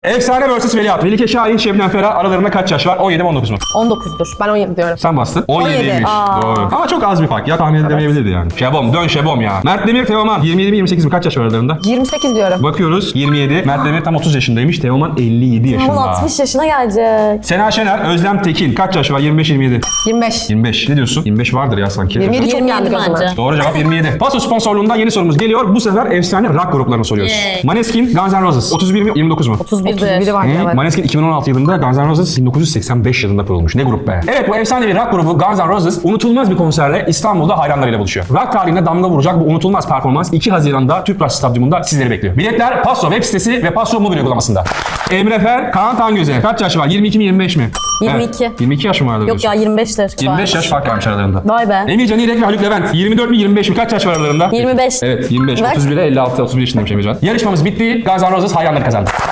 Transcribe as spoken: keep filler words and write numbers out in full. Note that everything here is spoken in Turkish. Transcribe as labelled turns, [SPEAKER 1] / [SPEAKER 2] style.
[SPEAKER 1] Efsane versus Veliaht. Melike Şahin, Şebnem Ferah aralarında kaç yaş var? on yedi mi on dokuz mu?
[SPEAKER 2] on dokuzdur. Ben on yedi diyorum.
[SPEAKER 1] Sen bastın.
[SPEAKER 2] on yedi.
[SPEAKER 1] on yediymiş.
[SPEAKER 2] Aa.
[SPEAKER 1] Doğru. Ama çok az bir fark ya, tahmin edilemeyebilirdi yani. Şebom, dön Şebom ya. Mert Demir, Teoman. yirmi yedi mi yirmi sekiz mi? Kaç yaş var aralarında?
[SPEAKER 2] yirmi sekiz diyorum.
[SPEAKER 1] Bakıyoruz. yirmi yedi. Mert Demir tam otuz yaşındaymış. Teoman elli yedi yaşında.
[SPEAKER 3] Ama altmış yaşına gelecek.
[SPEAKER 1] Sena Şener, Özlem Tekin. Kaç yaş var? yirmi beş yirmi yedi.
[SPEAKER 2] yirmi beş.
[SPEAKER 1] yirmi beş. Ne diyorsun? yirmi beş vardır ya sanki.
[SPEAKER 2] yirmi yedi çok
[SPEAKER 3] yirmi
[SPEAKER 2] geldi
[SPEAKER 3] yedi
[SPEAKER 2] gözüme.
[SPEAKER 3] bence.
[SPEAKER 1] Doğru cevap yirmi yedi. Paso sponsorluğunda yeni sorumuz geliyor. Bu sefer efsane rock gruplarını soruyoruz.
[SPEAKER 3] Yay.
[SPEAKER 1] Maneskin, Guns N' Roses. otuz bir mi yirmi dokuz mu?
[SPEAKER 3] otuz birdir.
[SPEAKER 2] otuz biri var
[SPEAKER 1] Hı?
[SPEAKER 2] evet.
[SPEAKER 1] Maneskin iki bin on altı yılında, Guns N' Roses bin dokuz yüz seksen beş yılında kurulmuş. Ne grup be? Evet, bu efsanevi rock grubu Guns N' Roses unutulmaz bir konserle İstanbul'da hayranlarıyla buluşuyor. Rock tarihine damga vuracak bu unutulmaz performans iki Haziran'da Tüpraş Stadyumunda sizleri bekliyor. Biletler Paso web sitesi ve Paso mobil uygulamasında. Emre Fer, Kaan Tangöze. Kaç yaş var? yirmi iki mi yirmi beş mi?
[SPEAKER 3] yirmi iki.
[SPEAKER 1] Evet, yirmi iki yaş mı vardı?
[SPEAKER 3] Yok ya yirmi beştir.
[SPEAKER 1] yirmi beş yaş fark varmış aralarında.
[SPEAKER 3] Vay be.
[SPEAKER 1] Emir Can İrek ve Haluk Levent. yirmi dört mi yirmi beş mi? Kaç yaş var aralarında?
[SPEAKER 3] yirmi beş.
[SPEAKER 1] Evet, yirmi beş.
[SPEAKER 3] Bak.
[SPEAKER 1] otuz bire elli altı, otuz bir yaşındaymış Emir Can. Yarışmamız bitti. Guns N' Roses hayranları kazandı.